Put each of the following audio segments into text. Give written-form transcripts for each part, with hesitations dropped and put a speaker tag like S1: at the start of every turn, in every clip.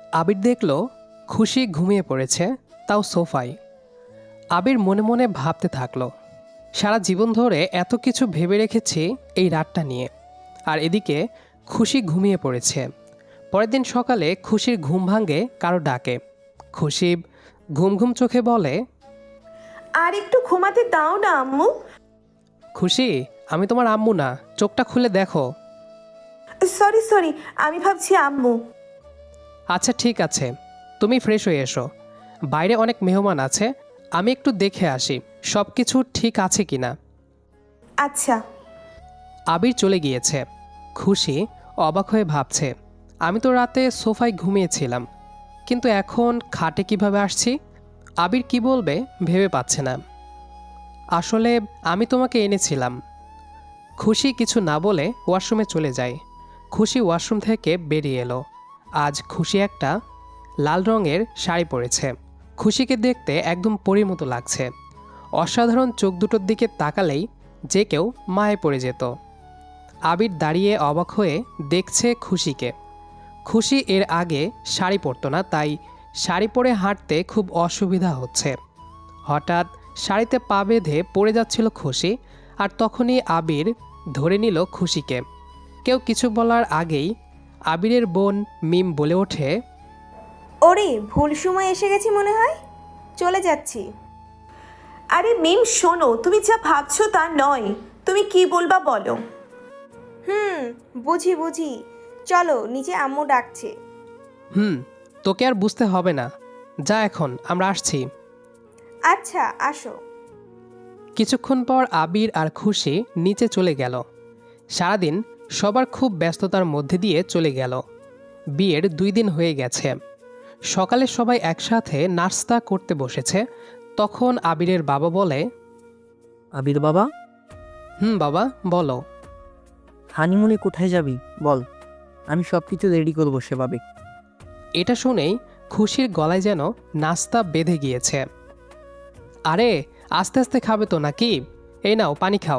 S1: আবির দেখল খুশি ঘুমিয়ে পড়েছে, তাও সোফায়। আবির মনে মনে ভাবতে থাকলো, সারা জীবন ধরে এত কিছু ভেবে রেখেছি এই রাতটা নিয়ে, আর এদিকে খুশি ঘুমিয়ে পড়েছে। পরের দিন সকালে খুশির ঘুম ভাঙে কারো ডাকে। খুশি ঘুম ঘুম চোখে বলে,
S2: আর একটু ঘুমাতে দাও না আম্মু।
S1: খুশি, আমি তোমার আম্মু না, চোখটা খুলে দেখো।
S2: সরি সরি, আমি ভাবছি আম্মু।
S1: আচ্ছা ঠিক আছে, তুমি ফ্রেশ হয়ে এসো, বাইরে অনেক মেহমান আছে, আমি একটু দেখে আসি সব কিছু ঠিক আছে কিনা।
S2: আচ্ছা।
S1: আবির চলে গিয়েছে। খুশি অবাক হয়ে ভাবছে, আমি তো রাতে সোফায় ঘুমিয়েছিলাম, কিন্তু এখন খাটে কিভাবে আসছি। আবির কি বলবে ভেবে পাচ্ছে না। আসলে আমি তোমাকে এনেছিলাম। খুশি কিছু না বলে ওয়াশরুমে চলে যায়। খুশি ওয়াশরুম থেকে বেরিয়ে এলো। আজ খুশি একটা লাল রঙের শাড়ি পরেছে। খুশিকে দেখতে একদম পরীর মতো লাগছে। অসাধারণ চোখ দুটোর দিকে তাকালেই যে কেউ মায়ে পড়ে যেত। আবির দাঁড়িয়ে অবাক হয়ে দেখছে খুশিকে। খুশি এর আগে শাড়ি পরতো না, তাই শাড়ি পরে হাঁটতে খুব অসুবিধা হচ্ছে। হঠাৎ শাড়িতে পা বেঁধে পড়ে যাচ্ছিল খুশি, আর তখনই আবির ধরে নিল খুশিকে। কেউ কিছু বলার আগেই আবিরের বোন মিম বলে ওঠে,
S3: ওরে ভুল সময় এসে গেছি মনে হয়, চলে যাচ্ছি।
S2: আরে মিম শোনো, তুমি যা ভাবছো তা নয়। তুমি কি বলবা বলো।
S3: হুম, বুঝি বুঝি, চলো নিচে আম্মু ডাকছে।
S1: হুম, তোকে আর বুঝতে হবে না, যা এখন, আমরা আসছি।
S3: আচ্ছা আসো।
S1: কিছুক্ষণ পর আবির আর খুশি নিচে চলে গেল। সারাদিন সবার খুব ব্যস্ততার মধ্যে দিয়ে চলে গেল। বিয়ের 2 দিন হয়ে গেছে। সকালে সবাই একসাথে নাস্তা করতে বসেছে। তখন আবিরের বাবা বলে,
S4: আবির বাবা,
S1: হুম বাবা বলো।
S4: হানিমুনে কোথায় যাবি বল, আমি সব কিছু রেডি করবো সেভাবে।
S1: এটা শুনেই খুশির গলায় যেন নাস্তা বেঁধে গিয়েছে। আরে আস্তে আস্তে খাবে তো নাকি, এই নাও পানি খাও।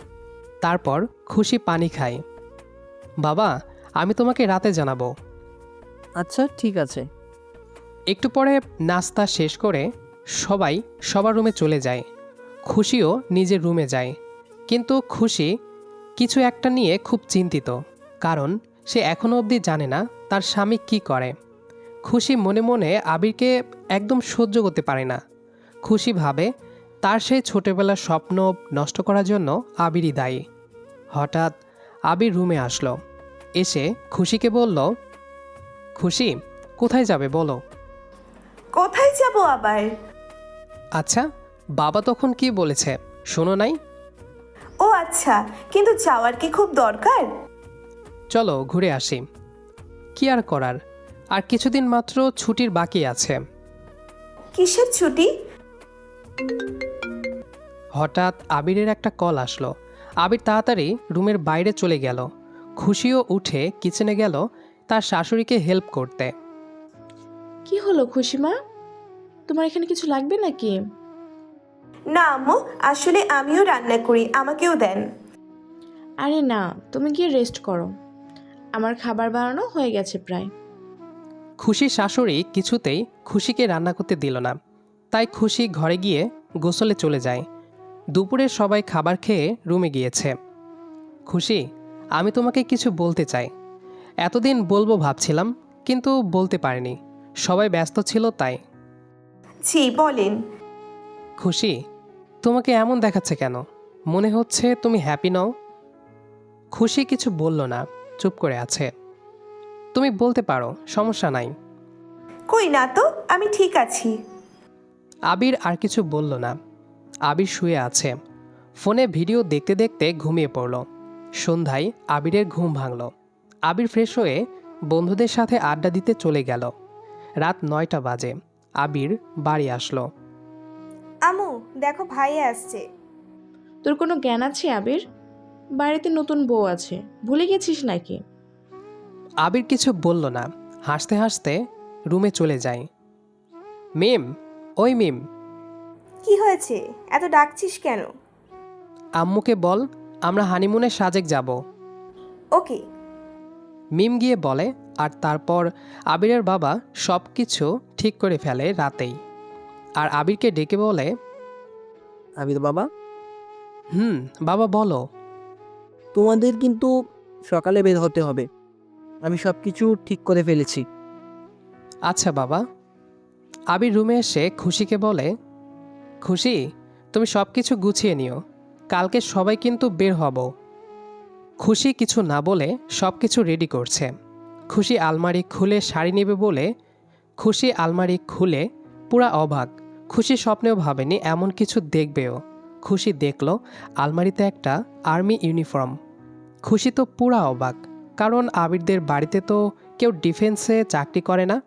S1: তারপর খুশি পানি খায়। বাবা, আমি তোমাকে রাতে জানাবো।
S4: আচ্ছা ঠিক আছে।
S1: একটু পরে নাস্তা শেষ করে সবাই সবার রুমে চলে যায়। খুশিও নিজের রুমে যায়। কিন্তু খুশি কিছু একটা নিয়ে খুব চিন্তিত, কারণ সে এখনও অবধি জানে না তার স্বামী কি করে। খুশি মনে মনে আবিরকে একদম সহ্য করতে পারে না। খুশি ভাবে তার সেই ছোটবেলার স্বপ্ন নষ্ট করার জন্য আবিরই দায়ী। হঠাৎ আবির রুমে আসলো। এসে খুশিকে বলল, খুশি কোথায় যাবে বলো।
S2: কোথায় যাব আবার?
S1: আচ্ছা, বাবা তখন কি বলেছে শোনো নাই?
S2: ও আচ্ছা, কিন্তু যাওয়ার কি খুব দরকার?
S1: চলো ঘুরে আসি। কি আর করার, আর কিছুদিন মাত্র ছুটির বাকি আছে।
S2: কিসের ছুটি?
S1: হঠাৎ আবিরের একটা কল আসলো। আবির তাড়াতাড়ি রুমের বাইরে চলে গেল। খুশিও উঠে কিচেনে গেল তার শাশুড়িকে হেল্প করতে।
S5: কি হলো খুশিমা, তোমার এখানে কিছু লাগবে নাকি?
S2: না আম্মু, আসলে আমিও রান্না করি, আমাকেও দেন।
S5: আরে না, তুমি গিয়ে রেস্ট করো, আমার খাবার বানানো হয়ে গেছে প্রায়।
S1: খুশির শাশুড়ি কিছুতেই খুশিকে রান্না করতে দিল না, তাই খুশি ঘরে গিয়ে গোসলে চলে যায়। দুপুরে সবাই খাবার খেয়ে রুমে গিয়েছে। খুশি, আমি তোমাকে কিছু বলতে চাই। এতদিন বলবো ভাবছিলাম, কিন্তু বলতে পারিনি, সবাই ব্যস্ত ছিল তাই।
S2: জি বলেন।
S1: খুশি, তোমাকে এমন দেখাচ্ছে কেন? মনে হচ্ছে তুমি হ্যাপি নও। খুশি কিছু বলল না, চুপ করে আছে। তুমি বলতে পারো, সমস্যা নাই।
S2: কই না তো, আমি ঠিক আছি।
S1: আবির আর কিছু বলল না। আবির শুয়ে আছে, ফোনে ভিডিও দেখতে দেখতে ঘুমিয়ে পড়ল। সন্ধ্যায় আবিরের ঘুম ভাঙল। আবির ফ্রেশ হয়ে বন্ধুদের সাথে আড্ডা দিতে চলে গেল। রাত 9টা বাজে। আবির বাড়ি আসলো।
S3: আম্মু দেখো ভাইয়া আসছে।
S5: তোর কোনো জ্ঞান আছে আবির? বাড়িতে নতুন বউ আছে, ভুলে গেছিস নাকি?
S1: আবির কিছু বলল না, হাসতে হাসতে রুমে চলে যায়। মিম, ওই মিম,
S3: কি হয়েছে, এত ডাকছিস কেন?
S1: আম্মুকে বল আমরা হানিমুনে সাজেক যাব।
S3: ওকে।
S1: মিম গিয়ে বলে, আর তারপর আবিরের বাবা সব কিছু ঠিক করে ফেলে রাতেই। আর আবিরকে ডেকে বলে,
S4: আবির বাবা,
S1: বাবা বলো।
S4: তোমাদের কিন্তু সকালে বের হতে হবে। আমি সব কিছু ঠিক করে ফেলেছি।
S1: আচ্ছা বাবা। আবির রুমে এসে খুশিকে বলে, খুশি, তুমি সব কিছু গুছিয়ে নিও, কালকে সবাই কিন্তু বের হব। খুশি কিছু না বলে সব কিছু রেডি করছে। খুশি আলমারি খুলে শাড়ি নেবে বলে খুশি আলমারি খুলে পুরা অবাক। খুশি স্বপ্নেও ভাবেনি এমন কিছু দেখবেও। খুশি দেখল আলমারিতে একটা আর্মি ইউনিফর্ম। খুশি তো পুরা অবাক, কারণ আবিরদের বাড়িতে তো কেউ ডিফেন্সে চাকরি করে না।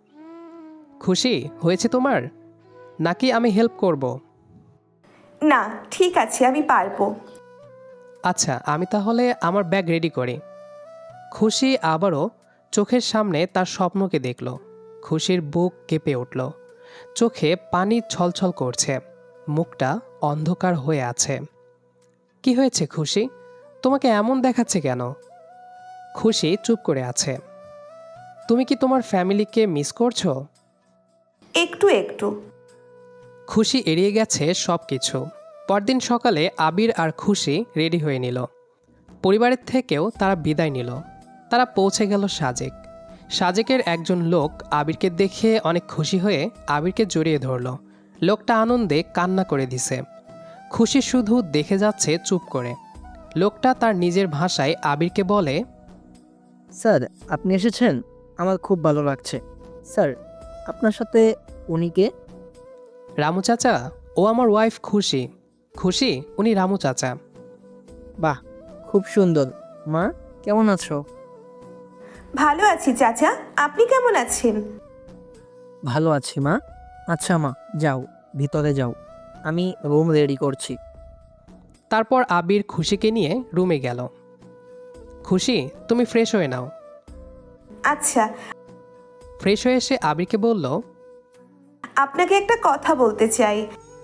S1: খুশি, হয়েছে তোমার, নাকি আমি হেল্প করব?
S2: না, ঠিক আছে, আমি পারবো।
S1: আচ্ছা, আমি তাহলে আমার ব্যাগ রেডি করি। খুশি আবারও চোখের সামনে তার স্বপ্নকে দেখল। খুশির বুক কেঁপে উঠল, চোখে পানি ছলছল করছে, মুখটা অন্ধকার হয়ে আছে। কি হয়েছে খুশি, তোমাকে এমন দেখাচ্ছে কেন? খুশি চুপ করে আছে। তুমি কি তোমার ফ্যামিলিকে মিস করছো?
S2: একটু একটু।
S1: খুশি এড়িয়ে গেছে সব কিছু। পরদিন সকালে আবির আর খুশি রেডি হয়ে নিল। পরিবারের থেকেও তারা বিদায় নিল। তারা পৌঁছে গেল সাজেক। সাজেকের একজন লোক আবিরকে দেখে অনেক খুশি হয়ে আবিরকে জড়িয়ে ধরল। লোকটা আনন্দে কান্না করে দিছে। খুশি শুধু দেখে যাচ্ছে চুপ করে। লোকটা তার নিজের ভাষায় আবিরকে বলে,
S4: স্যার, আপনি এসেছেন, আমার খুব ভালো লাগছে। স্যার, আপনার সাথে উনি কে?
S1: রামু চাচা, ও আমার ওয়াইফ খুশি। খুশি, উনি রামু চাচা।
S4: বাহ, খুব সুন্দর। মা, কেমন আছো?
S2: ভালো আছি চাচা, আপনি কেমন আছেন?
S4: ভালো আছি মা। আচ্ছা মা, যাও, ভিতরে যাও, আমি রুম রেডি করছি।
S1: তারপর আবির খুশিকে নিয়ে রুমে গেল। খুশি, তুমি ফ্রেশ হয়ে নাও।
S2: আচ্ছা।
S1: ফ্রেশ হয়ে এসে আবিরকে বলল,
S2: আপনাকে একটা কথা বলতে চাই।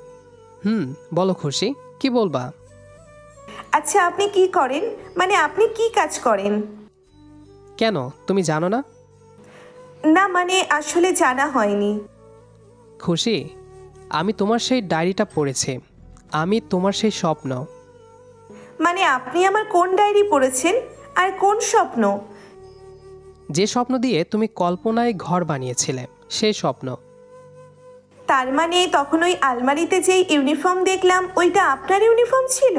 S1: বলো খুশি, কি বলবা?
S2: আচ্ছা, আপনি কি করেন, মানে আপনি কি কাজ করেন?
S1: কেন, তুমি জানো না?
S2: না, মানে আসলে জানা হয়নি।
S1: খুশি, আমি তোমার সেই ডায়েরিটা পড়েছি। আমি তোমার সেই স্বপ্ন।
S2: মানে আপনি আমার কোন ডায়েরি পড়েছেন, আর কোন স্বপ্ন?
S1: যে স্বপ্ন দিয়ে তুমি কল্পনায় ঘর বানিয়েছিলে, সেই স্বপ্ন।
S2: তার মানে তখন ওই আলমারিতে যেই ইউনিফর্ম দেখলাম, ওইটা আপনার ইউনিফর্ম ছিল?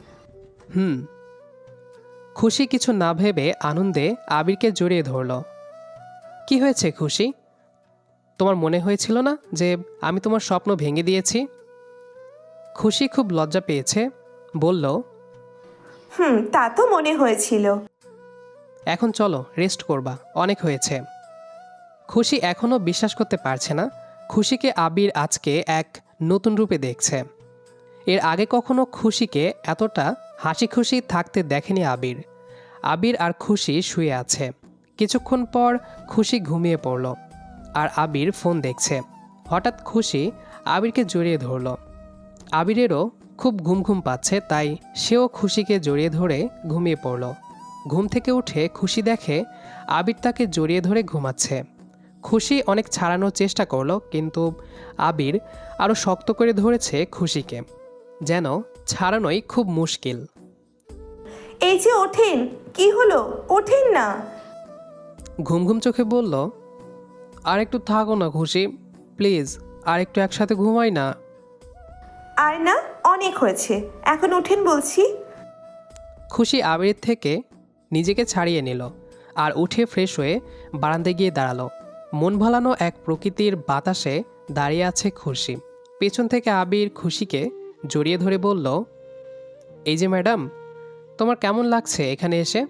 S1: খুশি কিছু না ভেবে আনন্দে আবিরকে জড়িয়ে ধরল। কি হয়েছে খুশি, তোমার মনে হয়েছিল না যে আমি তোমার স্বপ্ন ভেঙে দিয়েছি? খুশি খুব লজ্জা পেয়েছে, বলল,
S2: তা তো মনে হয়েছিল।
S1: এখন চলো, রেস্ট করবা, অনেক হয়েছে। খুশি এখনও বিশ্বাস করতে পারছে না খুশিকে আবির আজকে এক নতুন রূপে দেখছে। এর আগে কখনো খুশিকে এতটা হাসি খুশি থাকতে দেখেনি আবির। আবির আর খুশি শুয়ে আছে। কিছুক্ষণ পর খুশি ঘুমিয়ে পড়ল, আর আবির ফোন দেখছে। হঠাৎ খুশি আবিরকে জড়িয়ে ধরল। আবিরেরও খুব ঘুম ঘুম পাচ্ছে, তাই সেও খুশিকে জড়িয়ে ধরে ঘুমিয়ে পড়ল। ঘুম থেকে উঠে খুশি দেখে আবির তাকে জড়িয়ে ধরে ঘুমাচ্ছে। খুশি অনেক ছাড়ানোর চেষ্টা করলো, কিন্তু আবির আরও শক্ত করে ধরেছে খুশিকে, যেন ছাড়ানোই খুব মুশকিল।
S2: এই যে ওঠেন, কি হলো, ওঠেন না।
S1: ঘুম ঘুম চোখে বলল, আর একটু থাকো না খুশি, প্লিজ, আর একটু একসাথে ঘুমাই না।
S2: আর না, অনেক হয়েছে, এখন ওঠেন বলছি।
S1: খুশি আবিরের থেকে নিজেকে ছাড়িয়ে নিল আর উঠে ফ্রেশ হয়ে বারান্দায় গিয়ে দাঁড়ালো। মন ভালানো এক প্রকৃতির বাতাসে দাঁড়িয়ে আছে খুশি। পেছন থেকে আবির খুশিকে জড়িয়ে ধরে বলল, এই যে ম্যাডাম, তোমার কেমন লাগছে এখানে এসে?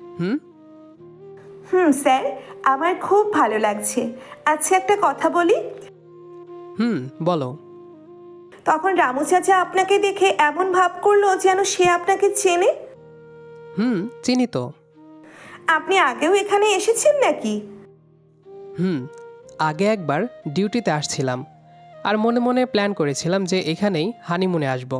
S2: স্যার, আমার খুব ভালো লাগছে। আচ্ছা, একটা কথা বলি।
S1: বলো।
S2: তখন রামু চাচা আপনাকে দেখে এমন ভাব করলো যেন সে আপনাকে চেনে।
S1: চিনি তো।
S2: আপনি আগেও এখানে এসেছেন নাকি?
S1: আগে একবার ডিউটিতে আসছিলাম, আর মনে মনে প্ল্যান করেছিলাম যে এখানেই হানিমুনে আসব।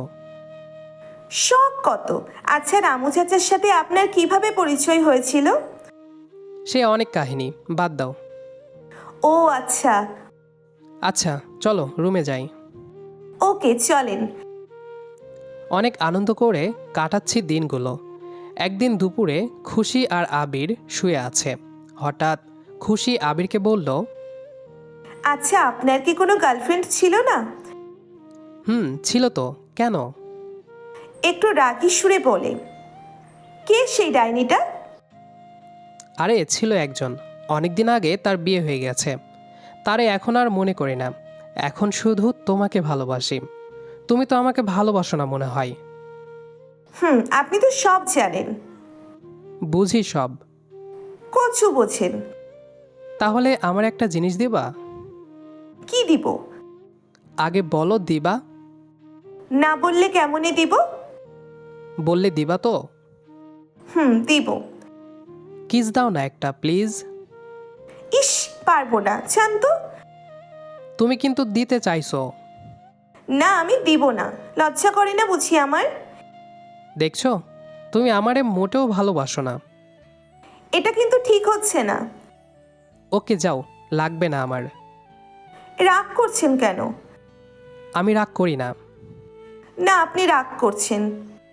S2: শখ কত! আচ্ছা, রামু চাচার সাথে আপনার কিভাবে পরিচয় হয়েছিল?
S1: সে অনেক কাহিনী, বাদ দাও।
S2: ও আচ্ছা,
S1: আচ্ছা চলো রুমে যাই।
S2: ওকে চলেন।
S1: অনেক আনন্দ করে কাটাচ্ছি দিনগুলো। একদিন দুপুরে খুশি আর আবির শুয়ে আছে। হঠাৎ খুশি আবিরকে বলল,
S2: আচ্ছা আপনার কি কোনো গার্লফ্রেন্ড ছিল না?
S1: ছিল তো, কেন?
S2: একটু রাগী সুরে বলে। কে সেই ডাইনিটা?
S1: আরে ছিল একজন, অনেক দিন আগে তার বিয়ে হয়ে গেছে। তারে এখন আর মনে করি না, এখন শুধু তোমাকে ভালোবাসি। তুমি তো আমাকে ভালোবাসো না মনে হয়।
S2: আপনি তো সব জানেন।
S1: বুঝি সব।
S2: কচু বোঝেন।
S1: তাহলে আমার একটা জিনিস দিবা?
S2: কি দিব?
S1: আগে বলো দিবা।
S2: না বললে কেমনে দিব?
S1: বললে দিবা তো?
S2: দিব।
S1: কিস দাও না একটা প্লিজ।
S2: ইস, পারবো না, জান তো।
S1: তুমি কিন্তু দিতে চাইছো।
S2: না আমি দিব না, লজ্জা করে না বুঝি আমার?
S1: দেখছো, তুমি আমারে মোটেও ভালোবাসো না।
S2: এটা কিন্তু ঠিক হচ্ছে না।
S1: ওকে যাও, লাগবে না আমার।
S2: রাগ করছেন কেন?
S1: আমি রাগ করি না।
S2: না আপনি রাগ করছেন।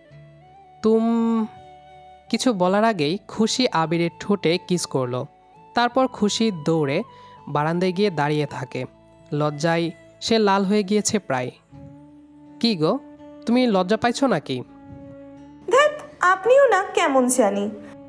S1: কিছু বলার আগেই খুশি আবিরের ঠোঁটে কিস করলো। তারপর খুশি দৌড়ে বারান্দায় গিয়ে দাঁড়িয়ে থাকে। লজ্জায় সে লাল হয়ে গিয়েছে প্রায়। কি গো, তুমি লজ্জা পাইছো নাকি?
S2: ধ্যাত, আপনিও না কেমন জানি।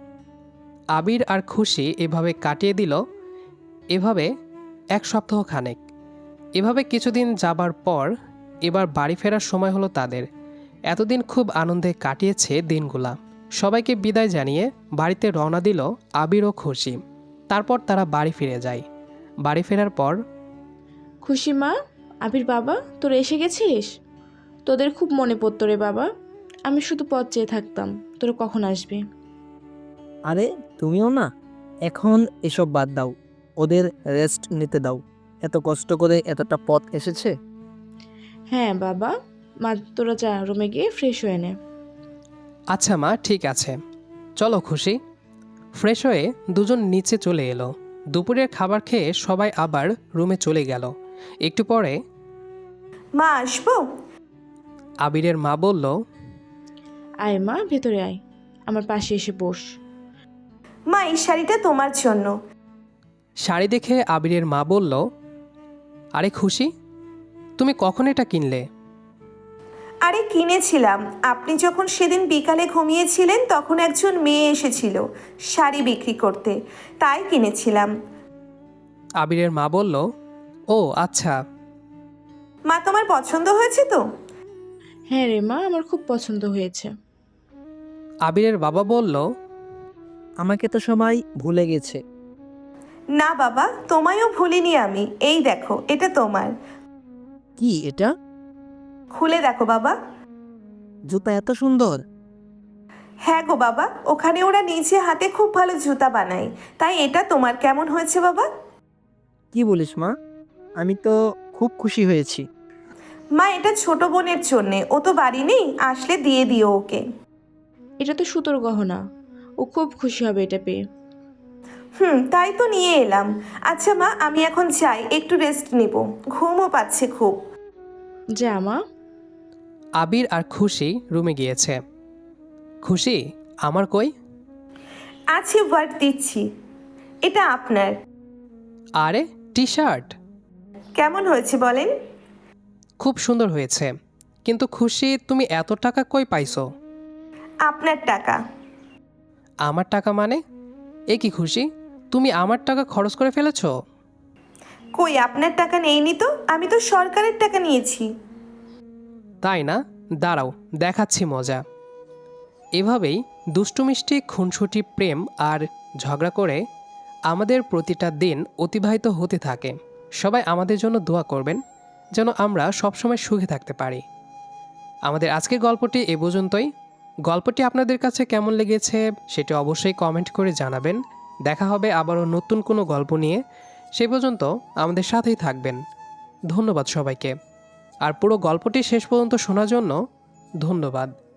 S1: আবির আর খুশি এভাবে কাটিয়ে দিল, এভাবে 1 সপ্তাহ খানেক। এভাবে কিছুদিন যাবার পর এবার বাড়ি ফেরার সময় হলো তাদের। এতদিন খুব আনন্দে কাটিয়েছে দিনগুলা। সবাইকে বিদায় জানিয়ে বাড়িতে রওনা দিল আবির ও খুশি। তারপর তারা বাড়ি ফিরে যায়। বাড়ি ফেরার পর
S5: খুশি মা, আবির বাবা, তোরা এসে গেছিস? তোদের খুব মনে পড়তো রে বাবা। আমি শুধু পথ চেয়ে থাকতাম তোরা কখন আসবি।
S4: আরে তুমিও না, এখন এসব বাদ দাও, ওদের রেস্ট নিতে দাও। এত কষ্ট করে এতটা পথ এসেছে।
S5: হ্যাঁ বাবা, মা তোরা যা রুমে গিয়ে ফ্রেশ হয়ে নে।
S1: আচ্ছা মা, ঠিক আছে, চলো খুশি। ফ্রেশ হয়ে দুজন নিচে চলে এলো। দুপুরের খাবার খেয়ে সবাই আবার রুমে চলে গেল। একটু পরে
S2: মা আসবো?
S1: আবিরের মা বলল,
S5: আয় মা, ভেতরে আয়, আমার পাশে এসে বস।
S2: মা এই শাড়িটা তোমার জন্য।
S1: শাড়ি দেখে আবিরের মা বলল, আরে খুশি, তুমি কখন এটা কিনলে?
S2: আরে কিনেছিলাম, আপনি যখন সেদিন বিকালে ঘুমিয়েছিলেন তখন একজন মেয়ে এসেছিল শাড়ি বিক্রি করতে, তাই কিনেছিলাম।
S1: আবিরের মা বলল, ও আচ্ছা।
S2: মা তোমার পছন্দ হয়েছে তো?
S5: হ্যাঁ রে মা, আমার খুব পছন্দ হয়েছে।
S1: আবিরের বাবা বলল,
S4: আমাকে তো সবাই ভুলে গেছে।
S2: না বাবা, তোমায়ও ভুলিনি আমি। এই দেখো, এটা তোমার।
S4: কি এটা?
S2: খুলে দেখো বাবা।
S4: জুতা এত সুন্দর।
S2: হ্যাঁ গো বাবা, ওখানে ওরা নিজে হাতে খুব ভালো জুতা বানায়, তাই এটা তোমার। কেমন হয়েছে বাবা?
S4: কি বলিস মা, আমি তো খুব খুশি হয়েছি।
S2: মা এটা ছোট বোনের জন্যে, ও তো বাড়ি নেই, আসলে দিয়ে দিও ওকে।
S5: এটা তো সুতোর গহনা, ও খুব খুশি হবে এটা পেয়ে।
S2: তাই তো নিয়ে এলাম। আচ্ছা মা, আমি এখন যাই, একটু রেস্ট নিব, ঘুমও পাচ্ছে খুব।
S5: যা মা।
S1: আবির আর খুশি রুমে গিয়েছে। খুশি, আমার কই?
S2: আছে, ওয়ার্ড দিচ্ছি। এটা আপনার।
S1: আরে টি শার্ট,
S2: কেমন হয়েছে বলেন?
S1: খুব সুন্দর হয়েছে, কিন্তু খুশি তুমি এত টাকা কই পাইছো?
S2: আপনার টাকা।
S1: আমার টাকা মানে? এ কি খুশি, তুমি আমার টাকা খরচ করে ফেলেছো?
S2: কই আপনার টাকা নেইনি তো, আমি তো সরকারের টাকা নিয়েছি।
S1: তাই না? দাঁড়াও, দেখাচ্ছি মজা। এভাবেই দুষ্টু মিষ্টি খুনসুটি প্রেম আর ঝগড়া করে আমাদের প্রতিটা দিন অতিবাহিত হতে থাকে। সবাই আমাদের জন্য দোয়া করবেন যেন আমরা সবসময় সুখে থাকতে পারি। আমাদের আজকের গল্পটি এ পর্যন্তই। গল্পটি আপনাদের কাছে কেমন লেগেছে সেটা অবশ্যই কমেন্ট করে জানাবেন। দেখা হবে আবারও নতুন কোনো গল্প নিয়ে। সে পর্যন্ত আমাদের সাথেই থাকবেন। ধন্যবাদ সবাইকে। আর পুরো গল্পটি শেষ পর্যন্ত শোনার জন্য ধন্যবাদ।